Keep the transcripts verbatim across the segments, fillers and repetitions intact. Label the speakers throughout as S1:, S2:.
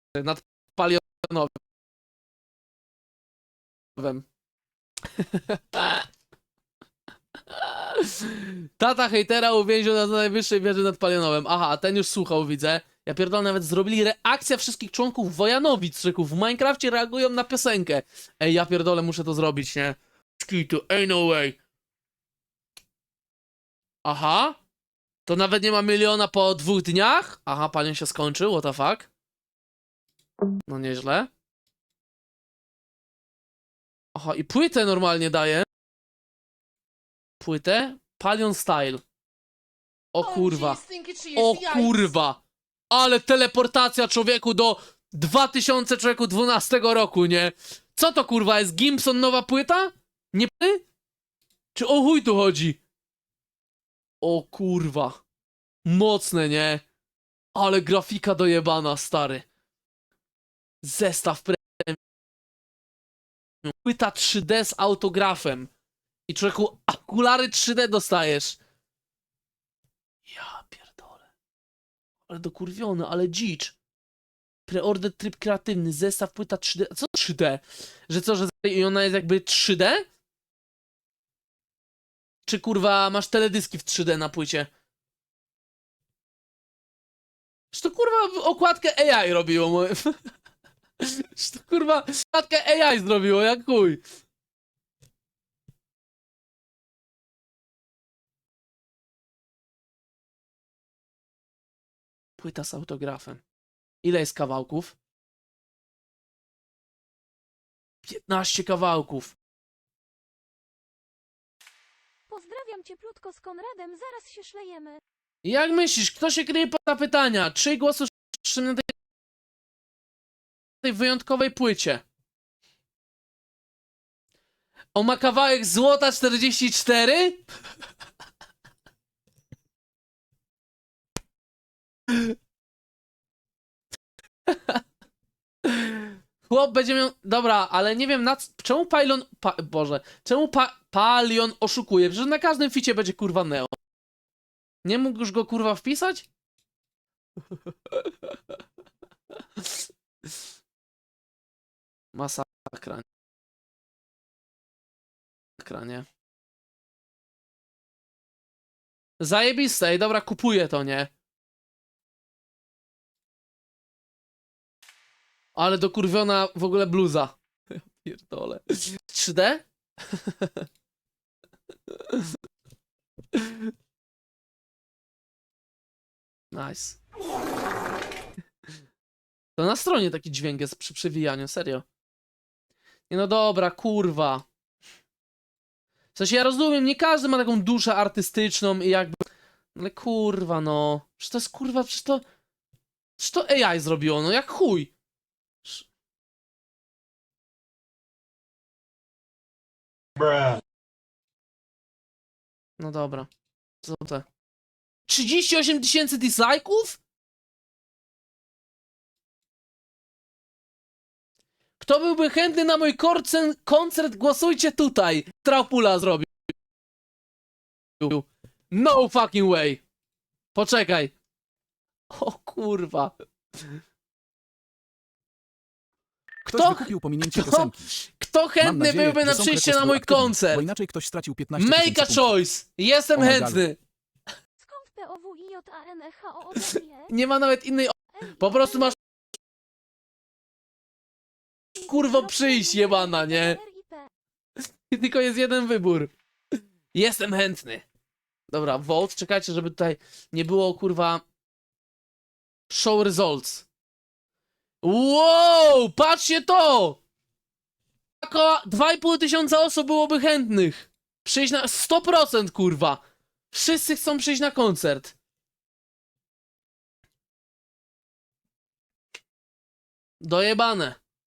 S1: nad palionowym. Tata hejtera uwięził na najwyższej wieży nad Palionowem. Aha, a ten już słuchał, widzę. Ja pierdolę, nawet zrobili reakcja wszystkich członków Wojanowic, czyków. W Minecrafcie reagują na piosenkę. Ej, ja pierdolę, muszę to zrobić, nie? Skitu, ej, no way. Aha. To nawet nie ma miliona po dwóch dniach? Aha, palion się skończył, what the fuck? No nieźle. Aha, i płytę normalnie daje. Płytę? Palion Style. O kurwa. O kurwa. Ale teleportacja człowieku do dwa tysiące dwunastego roku, nie? Co to kurwa jest? Gimson nowa płyta? Nie py? Czy o chuj tu chodzi? O kurwa. Mocne, nie? Ale grafika dojebana, stary. Zestaw premium. Płyta trzy D z autografem. I człowieku, okulary trzy D dostajesz. Ja pierdolę. Ale dokurwiony, ale dzicz. Preorder tryb kreatywny, zestaw płyta trzy D. Co trzy D? Że co, że i ona jest jakby trzy D? Czy kurwa masz teledyski w trzy D na płycie? Że to kurwa okładkę A I robiło moje. Że to kurwa okładkę A I zrobiło, jak chuj. Płyta z autografem. Ile jest kawałków? piętnaście kawałków.
S2: Pozdrawiam cieplutko z Konradem, zaraz się szlejemy.
S1: Jak myślisz, kto się kryje pod zapytania? Czyj głos usłyszałem na tej, tej wyjątkowej płycie? On ma kawałek złota czterdzieści cztery? Chłop będzie miał... Dobra, ale nie wiem na co... Czemu Palion... Pa... Boże. Czemu pa... Palion oszukuje? Przecież na każdym ficie będzie kurwa Neo. Nie mógł już go kurwa wpisać? Masakra. Masakra, nie? Zajebiste. Ej, dobra, kupuję to, nie? Ale dokurwiona w ogóle bluza. Ja pierdolę. trzy D? Nice. To na stronie taki dźwięk jest przy przewijaniu, serio. Nie no dobra, kurwa. W sensie ja rozumiem, nie każdy ma taką duszę artystyczną i jakby... Ale kurwa no. Przecież to jest kurwa, przecież to... Przecież to A I zrobiło, no jak chuj. No dobra. Co to? trzydzieści osiem tysięcy dislike'ów? Kto byłby chętny na mój korcen, koncert, głosujcie tutaj. Traupula zrobił. No fucking way. Poczekaj. O kurwa.
S3: Ktoś
S1: Kto,
S3: wykupił pominięcie
S1: kto,
S3: piosenki.
S1: kto
S3: Mam
S1: chętny
S3: nadzieję,
S1: byłby
S3: że
S1: na
S3: Songcrack
S1: przyjście
S3: jest
S1: na mój
S3: aktywny,
S1: koncert?
S3: Bo inaczej ktoś stracił piętnaście
S1: Make a
S3: tysięcy punktów.
S1: choice. Jestem
S3: O my God.
S1: chętny.
S2: Skąd P O W I J A N E H O O D E?
S1: Nie ma nawet innej... o- Po prostu masz kurwo przyjść, jebana, nie? I tylko jest jeden wybór. Jestem chętny. Dobra, vote. Czekajcie, żeby tutaj nie było, kurwa... Show results. Wow! Patrzcie to! Około dwa i pół tysiąca osób byłoby chętnych. Przyjść na... sto procent, kurwa. Wszyscy chcą przyjść na koncert. Dojebane.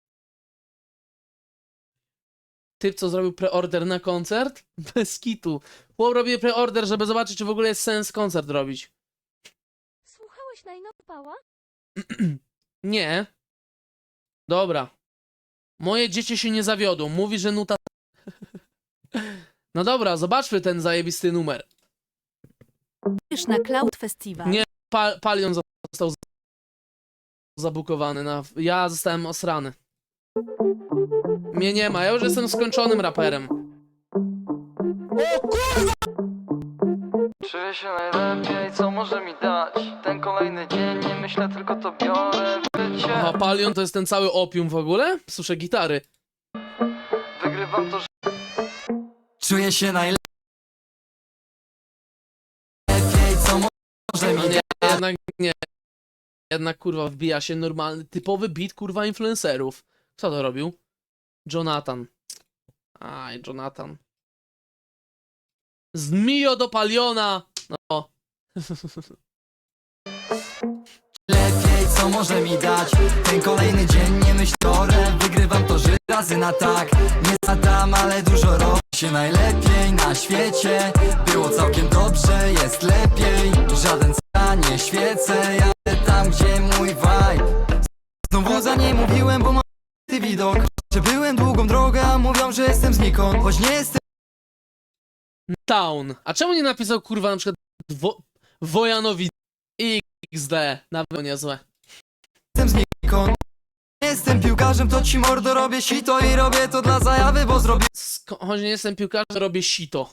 S1: Typ, co zrobił preorder na koncert? Bez kitu. Chłop robi preorder, żeby zobaczyć, czy w ogóle jest sens koncert robić.
S2: Słuchałeś najnowpała?
S1: Nie. Dobra. Moje dzieci się nie zawiodą. Mówi, że nuta... No dobra, zobaczmy ten zajebisty numer.
S4: na Cloud Festival.
S1: Nie, pa Palion został zabukowany na... Ja zostałem osrany. Mnie nie ma, ja już jestem skończonym raperem. O kurwa!
S4: Czuję się najlepiej, co może mi dać ten kolejny dzień, nie myślę, tylko to biorę w życie.
S1: Aha, Palion to jest ten cały opium w ogóle? Słyszę gitary.
S4: Wygrywam to, że... Czuję się najlepiej, co może
S1: No
S4: mi
S1: nie,
S4: dać.
S1: jednak nie. Jednak kurwa wbija się normalny, typowy beat kurwa influencerów. Kto to robił? Jonathan. Aj, Jonathan. Z Mio do Paliona. No.
S4: Lepiej, co może mi dać ten kolejny dzień, nie myślę, biorę, wygrywam to, że razy na tak. Nie zadam, ale dużo robię się najlepiej na świecie. Było całkiem dobrze, jest lepiej. Żaden ca nie świecę, jadę tam, gdzie mój vibe. Znowu za nie mówiłem, bo mam ty widok. Że byłem długą drogę, a mówią, że jestem znikąd. Choć nie jestem
S1: Town. A czemu nie napisał kurwa na przykład wo Wojanowi X D? Nawet niezłe.
S4: znikąd. Nie jestem piłkarzem, to ci mordo robię sito i robię to dla zajawy, bo zrobię
S1: Sko choć nie jestem piłkarzem, robię sito.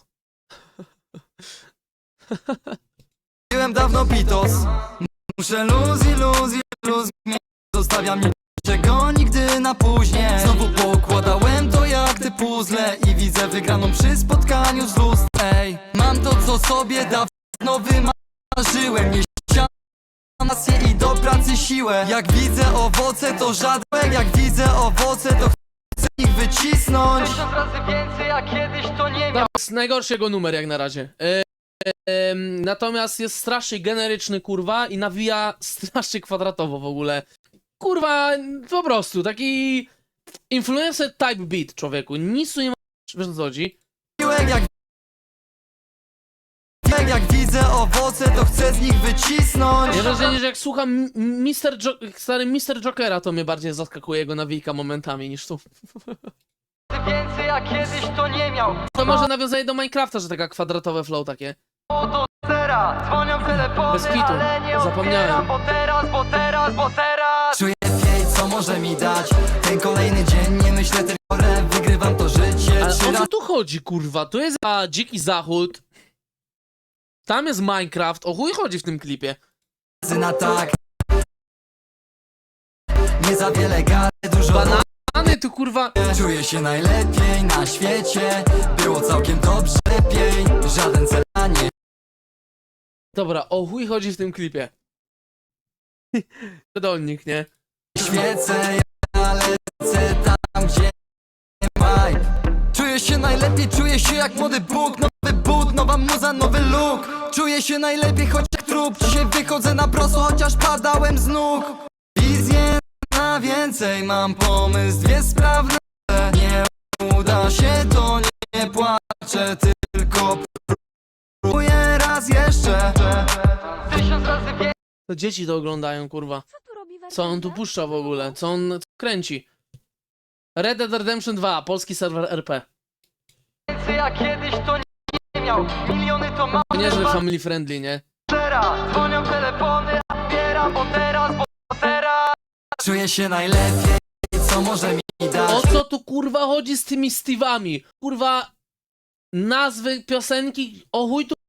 S4: Zrobiłem dawno pitos. Muszę luz i luz i luz. Zostawiam niczego nigdy na później. Znowu pokładałem to jak te puzzle i widzę wygraną przy spotkaniu z lust. Ej, mam to, co sobie dawno wymarzyłem. Nie ścianę masję i do pracy siłę. Jak widzę owoce, to żadne. Jak widzę owoce, to chcę ich wycisnąć. Tysiąc razy więcej, jak kiedyś to nie
S1: To jest najgorszy jego numer jak na razie. E e natomiast jest strasznie generyczny kurwa i nawija strasznie kwadratowo w ogóle. Kurwa, po prostu taki influencer type beat, człowieku. Nic tu nie ma. Wiesz o co chodzi?
S4: Jak, jak, jak widzę owoce, to chcę z nich wycisnąć.
S1: Ja wrażenie, że jak słucham mister Jo stary mister Jokera, to mnie bardziej zaskakuje jego nawijka momentami niż tu.
S4: Więcej jak kiedyś to nie miał.
S1: To może nawiązanie do Minecrafta, że taka kwadratowe flow takie.
S4: Oto teraz dzwonią telefony,
S1: Bez kitu.
S4: ale nie
S1: Zapomniałem.
S4: odbieram, bo teraz, bo teraz, bo teraz czuję lepiej, co może mi dać ten kolejny dzień, nie myślę, tylko wygrywam to życie.
S1: Ale
S4: Trzy
S1: o co tu chodzi, kurwa? Tu jest a, Dziki Zachód. Tam jest Minecraft. O chuj chodzi w tym klipie.
S4: razy na tak. Nie za wiele gary, dużo
S1: Banany tu kurwa.
S4: robię. Czuję się najlepiej na świecie. Było całkiem dobrze, lepiej. Żaden cel nie
S1: Dobra, o chuj chodzi w tym klipie. Dolnik, nie?
S4: świecę, ja lecę tam, gdzie nie vibe. Czuję się najlepiej, czuję się jak młody Bóg. Nowy but, nowa muza, nowy look. Czuję się najlepiej, choć jak trup. Dzisiaj wychodzę na prosto, chociaż padałem z nóg. Wizję na więcej, mam pomysł, dwie sprawne. Nie uda się, to nie płaczę, tylko próbuję raz jeszcze. Tysiąc razy więcej.
S1: To dzieci to oglądają, kurwa.
S2: Co tu robi
S1: Co on tu puszcza w ogóle? Co on kręci? Red Dead Redemption dwa, polski serwer R P.
S4: Jak kiedyś to nie miał. Miliony to mam.
S1: Niezły family friendly, nie?
S4: Teraz dzwonią telefony, a odbieram, bo teraz, bo teraz czuję się najlepiej, co może mi
S1: O
S4: dać
S1: co tu kurwa chodzi z tymi Steve'ami? Kurwa nazwy piosenki, o chuj tu.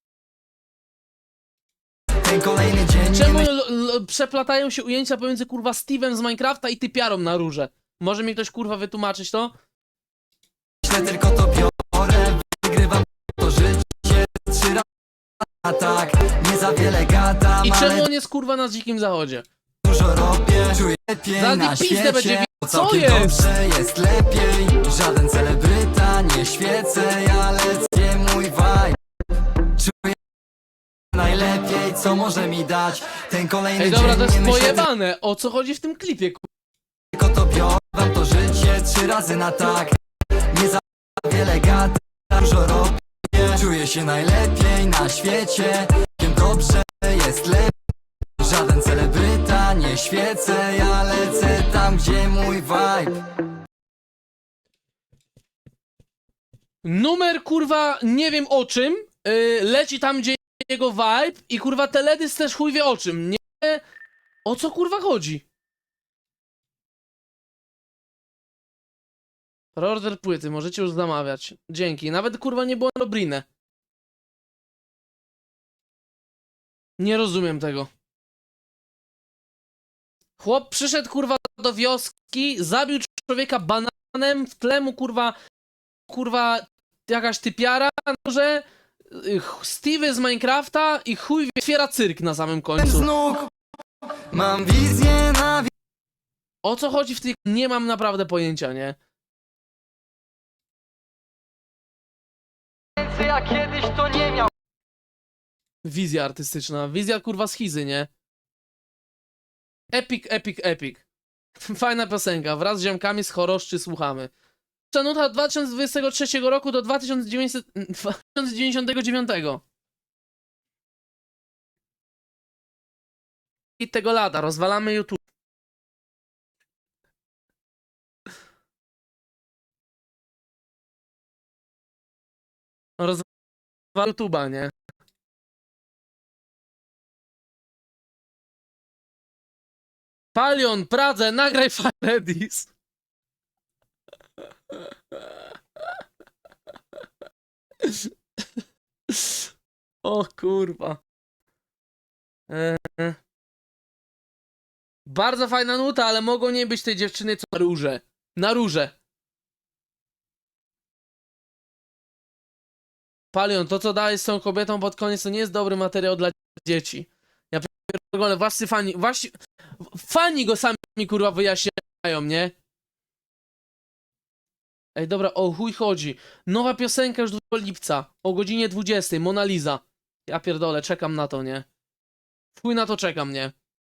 S4: ten kolejny dzień. Nie
S1: Czemu l- l- przeplatają się ujęcia pomiędzy kurwa Steve'em z Minecrafta i typiarą na róże? Może mi ktoś kurwa wytłumaczyć to?
S4: myślę, tylko to biorę. Wygrywam to życie trzy razy na tak. Nie za wiele gadam,
S1: I czemu
S4: ale
S1: on jest kurwa na dzikim zachodzie?
S4: dużo robię. Czuję lepiej
S1: Zaraz
S4: na
S1: mi pizdę
S4: świecie.
S1: będzie wi- Co
S4: Całkiem
S1: jest?
S4: dobrze, jest lepiej. Żaden celebryta, nie świecę, ja lecę, mój vibe. Czuję najlepiej, co może mi dać ten kolejny
S1: Ej dobra,
S4: dzień.
S1: to jest
S4: Nie myślę,
S1: pojebane. O co chodzi w tym klipie? ku-
S4: tylko to biorę. Wam to życie trzy razy na tak. Nie za wiele gadam, dużo robię. Czuję się najlepiej na świecie. Całkiem dobrze, jest lepiej. Żaden celebryta, nie świecę, ja lecę tam, gdzie mój vibe.
S1: Numer kurwa nie wiem o czym, yy, leci tam gdzie jego vibe i kurwa teledysk też chuj wie o czym. Nie O co kurwa chodzi? Reorder płyty, możecie już zamawiać. Dzięki. Nawet kurwa nie było na Dobrinę. Nie rozumiem tego. Chłop przyszedł kurwa do wioski, zabił człowieka bananem, w tle mu kurwa, kurwa jakaś typiara, że Steve z Minecrafta i chuj otwiera cyrk na samym
S4: z
S1: końcu.
S4: nóg. Mam wizję na
S1: O co chodzi w tych... Nie mam naprawdę pojęcia, nie?
S4: więcej, a kiedyś to nie miał.
S1: Wizja artystyczna, wizja kurwa schizy, nie? Epic, epic, epic. Fajna piosenka, wraz z ziomkami z Choroszczy słuchamy. Nuta od dwa tysiące dwudziestego trzeciego roku do dwa tysiące dziewięćdziesiątego dziewiątego. I tego lata, rozwalamy YouTube. Rozwalamy YouTube'a, nie? Palion, Pradze, nagraj Firedis. O kurwa. Eee. Bardzo fajna nuta, ale mogą nie być tej dziewczyny co na róże. Na róże. Palion, to co dałeś z tą kobietą pod koniec to nie jest dobry materiał dla dzieci. Ja pierdolę, właśnie fani, właśnie fani go sami kurwa wyjaśniają, nie? Ej, dobra, o chuj chodzi. Nowa piosenka już drugiego lipca o godzinie dwudziestej, Mona Lisa. Ja pierdolę, czekam na to, nie? Chuj na to czekam, nie?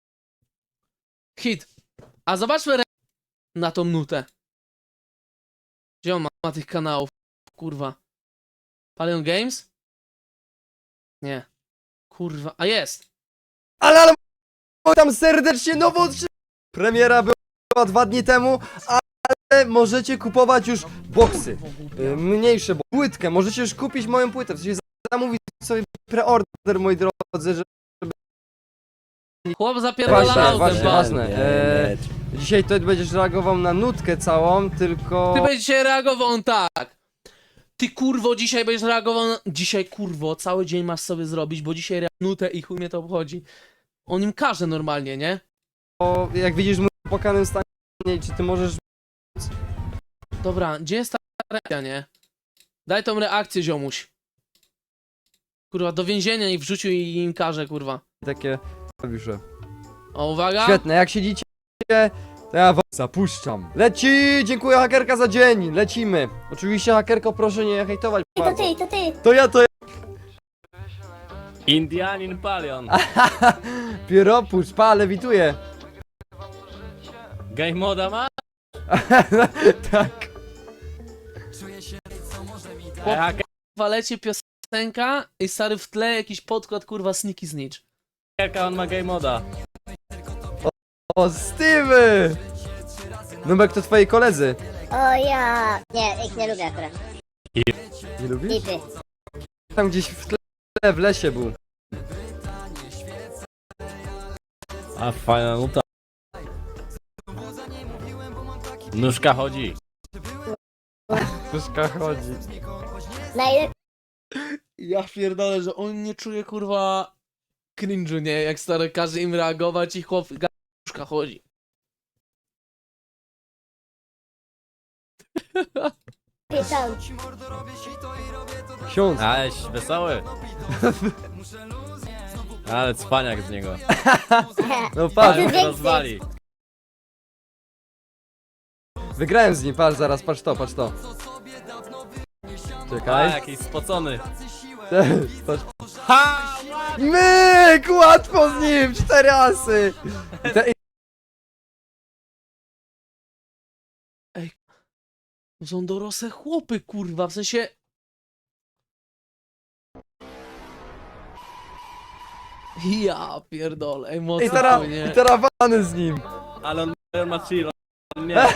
S1: Hit. A zobaczmy re... na tą nutę. Gdzie on ma, ma tych kanałów? Kurwa. Palion Games? Nie. Kurwa, a jest.
S5: Ale, ale tam serdecznie nowo otrzyma- Premiera była dwa dni temu, ale możecie kupować już boksy. y, Mniejsze, bo płytkę, możecie już kupić moją płytę. W sensie zamówić sobie preorder, moi drodzy, że
S1: Chłop zapierdala
S5: Właśnie,
S1: autem,
S5: właśnie,
S1: pa.
S5: właśnie. E, dzisiaj to będziesz reagował na nutkę całą, tylko...
S1: Ty będziesz dzisiaj reagował on tak. Ty kurwo, dzisiaj będziesz reagował na... Dzisiaj kurwo, cały dzień masz sobie zrobić, bo dzisiaj rea- nutę i chuj mnie to obchodzi. On im każe normalnie, nie?
S5: Bo jak widzisz w moim płakanym stanie, czy ty możesz...
S1: Dobra, gdzie jest ta reakcja, nie? Daj tą reakcję, ziomuś. Kurwa, do więzienia ich wrzucił i im każe, kurwa.
S5: takie... Klawisze.
S1: O, uwaga.
S5: Świetne, jak siedzicie, to ja was zapuszczam. Leci! Dziękuję hakerka za dzień, lecimy. Oczywiście hakerko, proszę nie hejtować
S6: To
S5: bardzo.
S6: ty, to ty.
S5: To ja, to ja.
S7: Indianin Palion.
S5: Pieropusz, pa, lewituję.
S7: Game moda ma?
S5: Tak.
S7: E, haker-
S1: Kurwa, leci piosenka i stary w tle jakiś podkład, kurwa, Sneaky Snitch.
S7: Hakerka, on ma game moda.
S5: O, Steve! Nubek to twoi koledzy.
S6: O ja. Nie, ich nie lubię akurat.
S5: Nie lubisz?
S6: Lipy.
S5: Tam gdzieś w tle, w lesie był.
S7: A fajna nuta. Nóżka chodzi.
S5: Puszka chodzi.
S6: Najlepiej.
S1: Ja pierdolę, że on nie czuje, kurwa, cringe'u, nie? Jak stary każe im reagować i chłop gaduszka chodzi.
S6: Tam.
S5: Ksiądz.
S7: Aleś wesoły. Ale cwaniak z niego.
S5: No patrz,
S7: Palion
S6: więcej.
S7: rozwali.
S5: wygrałem z nim, patrz zaraz, patrz to, patrz to.
S7: A,
S5: Czekaj.
S7: jakiś spocony.
S5: Patrz.
S7: Ha!
S5: Myk! Łatwo z nim! Cztery asy! I te,
S1: To są dorosłe chłopy, kurwa, w sensie... Ja pierdolę, ej,
S5: I
S1: mocno,
S5: teraz,
S1: nie?
S5: i teraz wany z nim.
S7: Ale on on ma chill. On nie.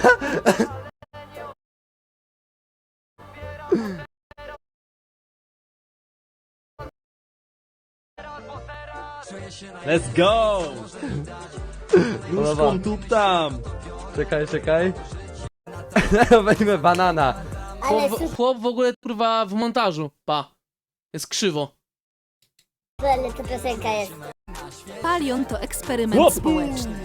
S7: Let's go!
S5: Podoba.
S7: Nóżką tup tam.
S5: Czekaj, czekaj. Weźmy banana.
S6: Ale
S1: Chłop, chłop w ogóle kurwa w montażu, pa. Jest krzywo.
S6: super, to piosenka jest.
S8: Palion to eksperyment
S7: Chłop.
S8: społeczny.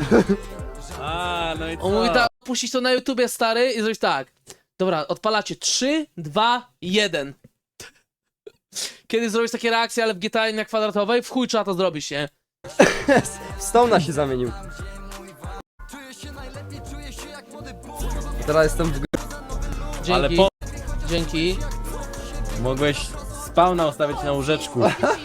S7: A, no i co?
S1: On mówi tak, puścić to na YouTubie, stary, i zrobić tak. Dobra, odpalacie trzy, dwa, jeden. Kiedy zrobisz takie reakcje, ale w G T A na kwadratowej, w chuj trzeba to zrobić, nie?
S5: W Stone'a się zamienił. Teraz jestem w gr...
S1: Dzięki,
S7: Ale po...
S1: dzięki.
S7: Mogłeś spawna ustawić na łóżeczku.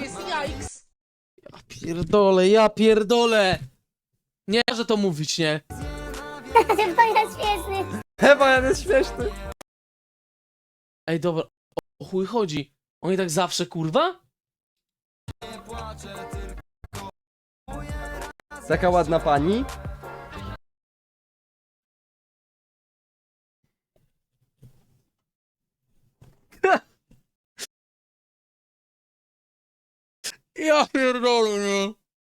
S1: Ja pierdolę, ja pierdolę. Nie, że to mówić, nie?
S6: To jest śmieszny.
S5: Chyba jest śmieszny.
S1: Ej, dobra, o chuj chodzi. Oni tak zawsze, kurwa?
S5: Taka ładna pani.
S1: Ja pierdolę, nie?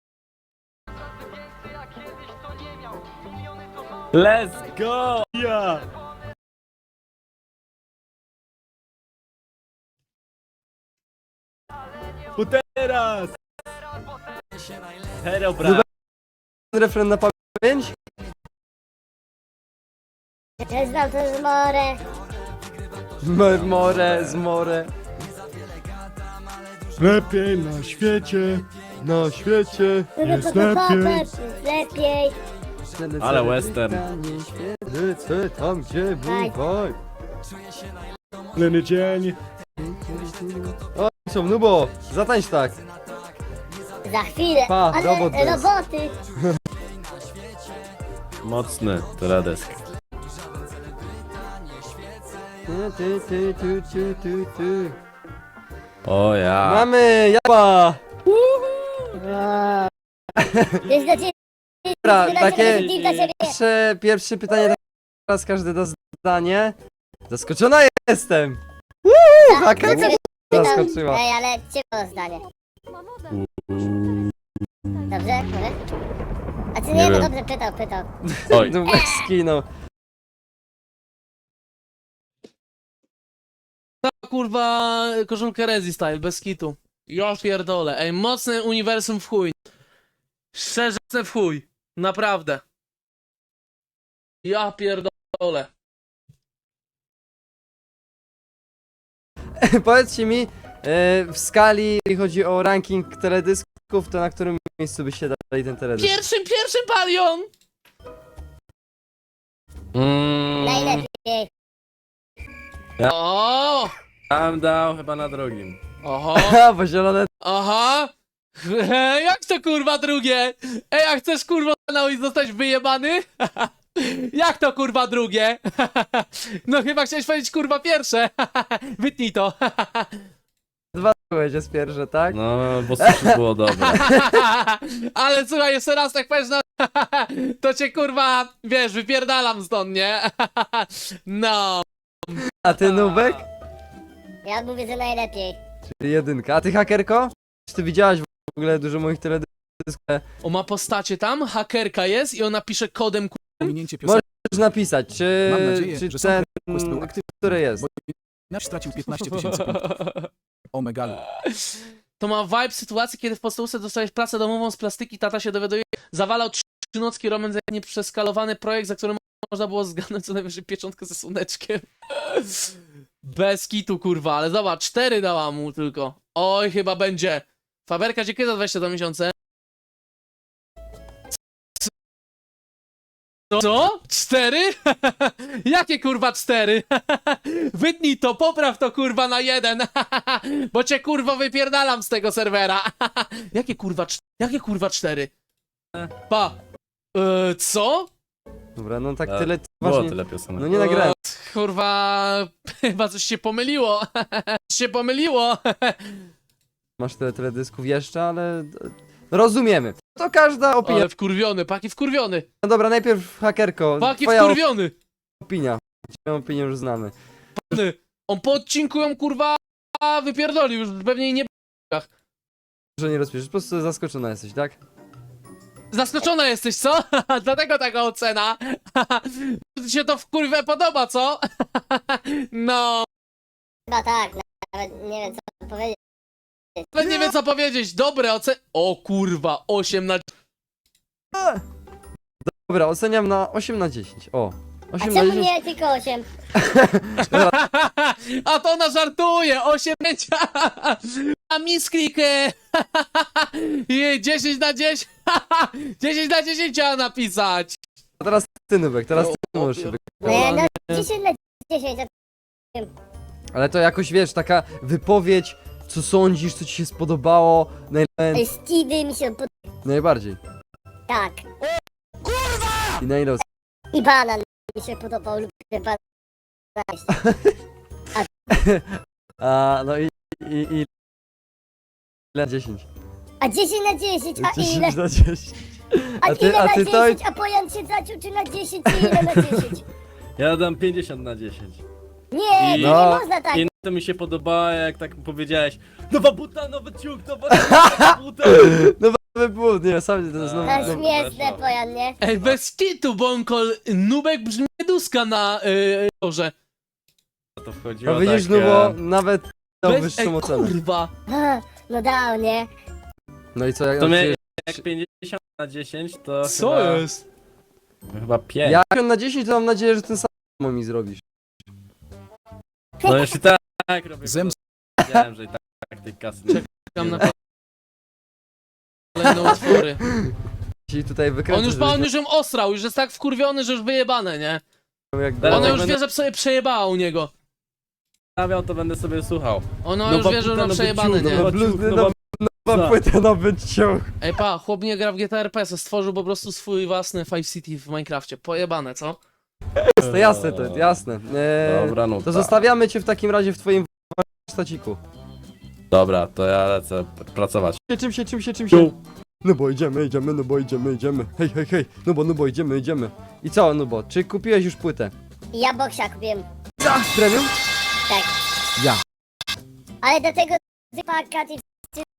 S7: Let's go! Ja! Bo teraz! Hero, bra!
S5: Refren na pamięć.
S6: Ja znam to z more.
S5: M- More, z more.
S3: Lepiej na świecie.
S5: Na świecie.
S3: Jest
S6: Jest
S3: lepiej.
S6: lepiej.
S7: Ale western.
S5: Lecę tam, gdzie bywaj.
S3: Leny dzień.
S5: O, co, Nubo, zatańcz tak.
S6: Za chwilę.
S5: Pa,
S6: Ale
S5: robot jest.
S6: roboty.
S7: Mocny teledysk.
S5: Ty, ty, ty, ty, ty, ty, ty.
S7: O ja!
S5: Mamy jaba.
S6: Jest dla ciebie.
S5: Dobra,
S6: Dla
S5: takie
S6: ciebie, Deal dla ciebie.
S5: pierwsze, pierwsze pytanie, teraz każdy da zdanie. Zaskoczona jestem. Woo,
S6: Dla
S5: hakerka
S6: ciebie pytam.
S5: zaskoczyła.
S6: Ej, ale ciebie zdanie.
S2: Ma moda.
S6: Dobrze? Może? A ty
S7: Nie
S6: nie, no
S7: wiem.
S6: dobrze, pytał, pytał.
S7: Oj!
S5: Nubek skinął.
S1: Ta kurwa koszulkę Rezi style, bez kitu. Ja pierdolę. Ej, mocne uniwersum w chuj. Szczerze mocne w chuj. Naprawdę. Ja pierdolę.
S5: Powiedzcie mi, e, w skali, jeżeli chodzi o ranking teledysków, to na którym miejscu byście dali ten teledysk?
S1: Pierwszym, pierwszym palion!
S7: Mm,
S6: Najlepiej.
S1: O!
S7: Tam dał chyba na drugim.
S1: Oho!
S5: Aha, bo zielone
S1: Aha! Jak to kurwa drugie? Ej, a chcesz kurwa kanał i zostać wyjebany? Jak to kurwa drugie? No chyba chciałeś powiedzieć kurwa pierwsze. Wytnij to.
S5: dwa byłeś jest pierwsze, tak?
S7: No, bo sushi było dobre.
S1: Ale słuchaj, jeszcze raz tak powiesz, no to cię kurwa, wiesz, wypierdalam stąd, nie? No.
S5: A ty Nubek?
S6: Ja mówię, że najlepiej.
S5: Czyli jedynka. A ty hakerko? Czy ty widziałaś w ogóle dużo moich teledysków?
S1: On ma postacie tam, hakerka jest i ona pisze kodem ku...
S3: Pominięcie piosenki.
S5: Możesz napisać, czy,
S3: Mam nadzieję,
S5: czy
S3: że
S5: ten,
S3: Quest był aktywny.
S5: który jest.
S3: Bo Nasz stracił piętnaście tysięcy punktów. O megalu.
S1: To ma vibe sytuacji, kiedy w podstawówce dostałeś pracę domową z plastyki, tata się dowiaduje, zawalał trzynocki Roman za nieprzeskalowany projekt, za którym można było zgadnąć co najwyżej pieczątkę ze słoneczkiem. Bez kitu, kurwa, ale zobacz, cztery dała mu tylko. Oj, chyba będzie. Faberka, dziękuję za dwadzieścia dwa miesiące. Co? Co? Cztery? Jakie kurwa cztery? Wytnij to, popraw to kurwa na jeden. Bo cię kurwa wypierdalam z tego serwera. Jakie kurwa cz- Jakie kurwa cztery? Pa. E, co?
S5: Dobra, no tak
S7: Tak,
S5: tyle
S7: Było
S5: właśnie.
S7: tyle piosenek.
S5: No nie nagrałem.
S1: E, kurwa, chyba coś się pomyliło. Coś się pomyliło.
S5: Masz tyle teledysków jeszcze, ale no, rozumiemy. To każda opinia.
S1: Ale wkurwiony, paki wkurwiony.
S5: No dobra, najpierw hakerko.
S1: Paki
S5: Twoja
S1: wkurwiony.
S5: opinia. Twoją opinię już znamy.
S1: On po odcinku ją kurwa wypierdolił, już pewnie jej nie...
S5: Że nie rozpiszesz, po prostu zaskoczona jesteś, tak?
S1: Zaskoczona jesteś, co? Dlatego taka ocena. Ci się to w kurwę podoba, co? No,
S6: Chyba tak, nawet nie wiem co powiedzieć.
S1: nawet nie wiem co powiedzieć. Dobre oceny. O kurwa, osiem na
S5: Dobra, oceniam na osiem na dziesięć. O,
S6: A
S5: osiem na
S6: czemu
S5: dziesięć.
S6: nie tylko osiem?
S1: A to ona żartuje! osiem a misklikę! dziesięć na dziesięć! dziesięć na dziesięć chciała napisać!
S5: A teraz ty, Nubek, teraz ty
S1: O,
S5: możesz się
S1: o,
S5: wy...
S6: No ja no dziesięć na dziesięć, a
S5: Ale to jakoś, wiesz, taka wypowiedź, co sądzisz, co ci się spodobało, naj...
S6: Ej, Stevie mi się pod...
S5: najbardziej.
S6: Tak.
S5: I na ile ocen-
S6: I banan mi się podobał, lubię banan.
S5: A, no i... i, i... Ile? dziesięć.
S6: A dziesięć na dziesięć, a ile?
S5: dziesięć na dziesięć.
S6: A,
S5: A ty,
S6: ile
S5: a
S6: na
S5: ty to...
S6: dziesięć? A Pojan się zaciął czy na dziesięć, czy ile na dziesięć?
S7: Ja dam pięćdziesiąt na dziesięć.
S6: Nie,
S7: I-
S6: to
S5: No.
S6: nie można tak.
S7: I to mi się podoba, jak tak powiedziałeś. Nowa buta, nowy ciuch, nowa buta.
S5: Nowy błąd, nie, sam to znowu...
S6: To
S7: no,
S5: znowu...
S6: śmieszne, Pojan, nie?
S1: Ej, bez kitu, Bonkol, Nubek brzmi duska na yy, torze.
S7: To wchodziło
S5: No widzisz,
S7: tak,
S5: no bo
S7: e,
S5: nawet dał
S1: Bez,
S5: wyższą
S1: ej,
S5: ocenę.
S1: kurwa!
S6: A, no dał, nie?
S5: No i co, jak...
S7: To mnie-
S5: znaczy,
S7: jak pięćdziesiąt na dziesięć, to
S1: Co
S7: chyba,
S1: jest?
S7: chyba pięć.
S5: Ja jak na dziesięć, to mam nadzieję, że ten sam mi zrobisz.
S7: No jeśli tak, tak robię.
S3: Zems-
S7: Wiedziałem, że i tak, tak tej kasy nie
S1: Czekam na kolejne utwory.
S5: Ci tutaj wykręcę,
S1: On już, on już ją osrał, już jest tak wkurwiony, że już wyjebane, nie?
S5: jak...
S7: Teraz
S1: Ona
S7: jak
S1: już
S7: będę-
S1: wie, że sobie przejebała u niego.
S7: stawiał, to będę sobie słuchał.
S1: Ona
S7: No
S1: już
S7: bo
S1: wie, że
S7: puta,
S1: ona
S7: no
S1: przejebane,
S7: wyciął,
S1: nie?
S7: no
S5: No,
S7: bo-
S5: blues,
S7: ciuch,
S5: no,
S7: no
S5: no,
S7: bo-
S5: nowa
S7: co?
S5: płyta, nowy ciuch.
S1: Ej pa, chłop nie gra w G T A R P, se stworzył po prostu swój własny Five City w Minecrafcie. Pojebane, co?
S5: To jasne, to jasne. Eee,
S7: Dobra, no
S5: to
S7: tak.
S5: zostawiamy cię w takim razie w twoim warsztaciku.
S7: Dobra, to ja lecę pracować.
S5: Czym się, czym się, czym się? No bo idziemy, idziemy, no bo idziemy, idziemy. Hej, hej, hej, no bo, no bo idziemy, idziemy. I co, no bo, czy kupiłeś już płytę?
S6: I ja boksia kupiłem.
S5: Premium?
S6: Tak.
S5: Ja.
S6: Ale do tego pakaty